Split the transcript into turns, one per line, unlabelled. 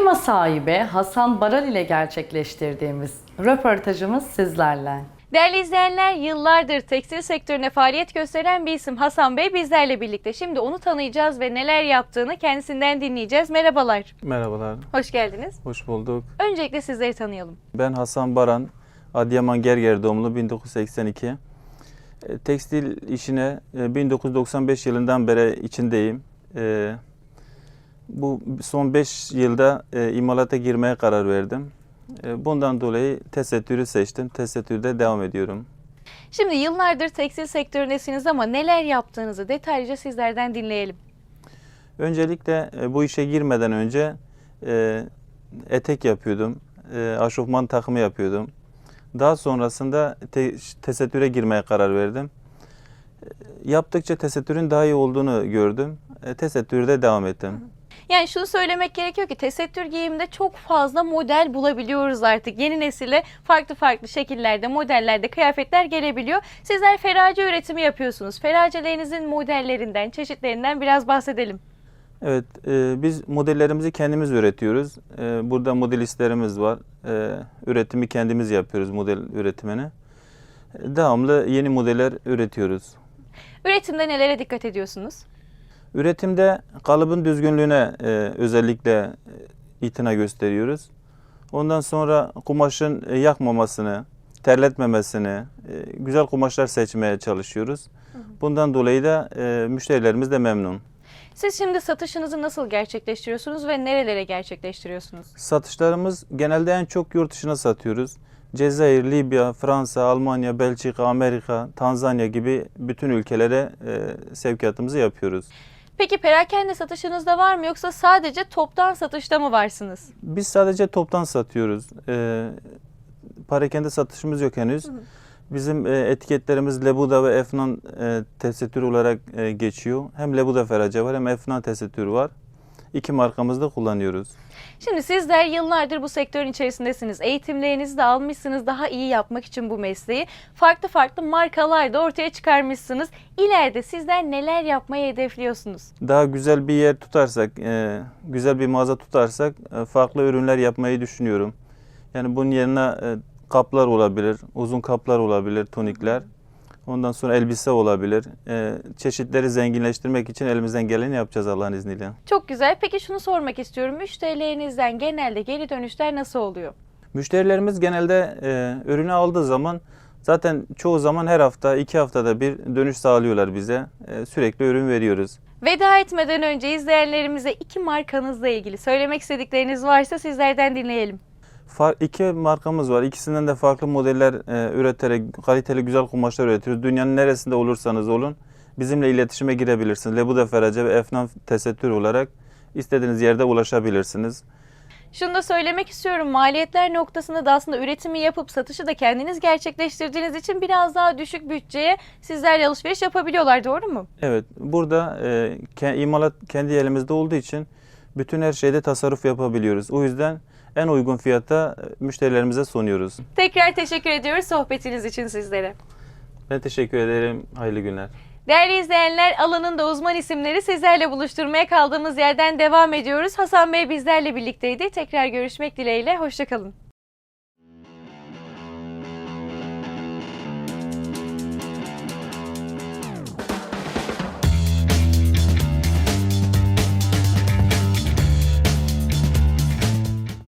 Firma sahibi Hasan Baran ile gerçekleştirdiğimiz röportajımız sizlerle.
Değerli izleyenler, yıllardır tekstil sektörüne faaliyet gösteren bir isim Hasan Bey bizlerle birlikte. Şimdi onu tanıyacağız ve neler yaptığını kendisinden dinleyeceğiz. Merhabalar.
Merhabalar,
Hoş geldiniz.
hoş bulduk.
Öncelikle sizleri tanıyalım.
Ben Hasan Baran, Adıyaman Gerger doğumlu, 1982. Tekstil işine 1995 yılından beri içindeyim. Bu son 5 yılda imalata girmeye karar verdim. Bundan dolayı tesettürü seçtim. Tesettürde devam ediyorum.
Şimdi yıllardır tekstil sektöründesiniz ama neler yaptığınızı detaylıca sizlerden dinleyelim.
Öncelikle bu işe girmeden önce etek yapıyordum. Aşofman takımı yapıyordum. Daha sonrasında tesettüre girmeye karar verdim. Yaptıkça tesettürün daha iyi olduğunu gördüm. Tesettürde devam ettim.
Yani şunu söylemek gerekiyor ki tesettür giyiminde çok fazla model bulabiliyoruz artık. Yeni nesile farklı şekillerde, modellerde kıyafetler gelebiliyor. Sizler ferace üretimi yapıyorsunuz. Feracelerinizin modellerinden, çeşitlerinden biraz bahsedelim.
Evet, biz modellerimizi kendimiz üretiyoruz. Burada modelistlerimiz var. Üretimi kendimiz yapıyoruz, model üretimini. Devamlı yeni modeller üretiyoruz.
Üretimde nelere dikkat ediyorsunuz?
Üretimde kalıbın düzgünlüğüne özellikle itina gösteriyoruz. Ondan sonra kumaşın yakmamasını, terletmemesini, güzel kumaşlar seçmeye çalışıyoruz. Bundan dolayı da müşterilerimiz de memnun.
Siz şimdi satışınızı nasıl gerçekleştiriyorsunuz ve nerelere gerçekleştiriyorsunuz?
Satışlarımız genelde en çok yurt dışına satıyoruz. Cezayir, Libya, Fransa, Almanya, Belçika, Amerika, Tanzanya gibi bütün ülkelere sevkiyatımızı yapıyoruz.
Peki perakende satışınız da var mı yoksa sadece toptan satışta mı varsınız?
Biz sadece toptan satıyoruz. Parakende satışımız yok henüz. Bizim etiketlerimiz Lebuda ve Efnan tesettür olarak geçiyor. Hem Lebuda ferace var hem Efnan tesettür var. İki markamızda kullanıyoruz.
Şimdi sizler yıllardır bu sektörün içerisindesiniz. Eğitimlerinizi de almışsınız daha iyi yapmak için bu mesleği. Farklı markalar da ortaya çıkarmışsınız. İleride sizler neler yapmayı hedefliyorsunuz?
Daha güzel bir yer tutarsak, güzel bir mağaza tutarsak farklı ürünler yapmayı düşünüyorum. Yani bunun yerine kaplar olabilir, uzun kaplar olabilir, tonikler. Ondan sonra elbise olabilir. Çeşitleri zenginleştirmek için elimizden geleni yapacağız Allah'ın izniyle.
Çok güzel. Peki şunu sormak istiyorum. Müşterilerinizden genelde geri dönüşler nasıl oluyor?
Müşterilerimiz genelde ürünü aldığı zaman zaten çoğu zaman her hafta, 2 haftada bir dönüş sağlıyorlar bize. Sürekli ürün veriyoruz.
Veda etmeden önce izleyenlerimize iki markanızla ilgili söylemek istedikleriniz varsa sizlerden dinleyelim.
İki markamız var. İkisinden de farklı modeller üreterek kaliteli güzel kumaşlar üretiyoruz. Dünyanın neresinde olursanız olun bizimle iletişime girebilirsiniz. Lebuda ferace ve Efnan tesettür olarak istediğiniz yerde ulaşabilirsiniz.
Şunu da söylemek istiyorum. Maliyetler noktasında da aslında üretimi yapıp satışı da kendiniz gerçekleştirdiğiniz için biraz daha düşük bütçeye sizlerle alışveriş yapabiliyorlar. Doğru mu?
Evet. Burada imalat kendi elimizde olduğu için bütün her şeyde tasarruf yapabiliyoruz. O yüzden en uygun fiyata müşterilerimize sunuyoruz.
Tekrar teşekkür ediyoruz sohbetiniz için sizlere.
Ben teşekkür ederim. Hayırlı günler.
Değerli izleyenler, alanında uzman isimleri sizlerle buluşturmaya kaldığımız yerden devam ediyoruz. Hasan Bey bizlerle birlikteydi. Tekrar görüşmek dileğiyle. Hoşça kalın.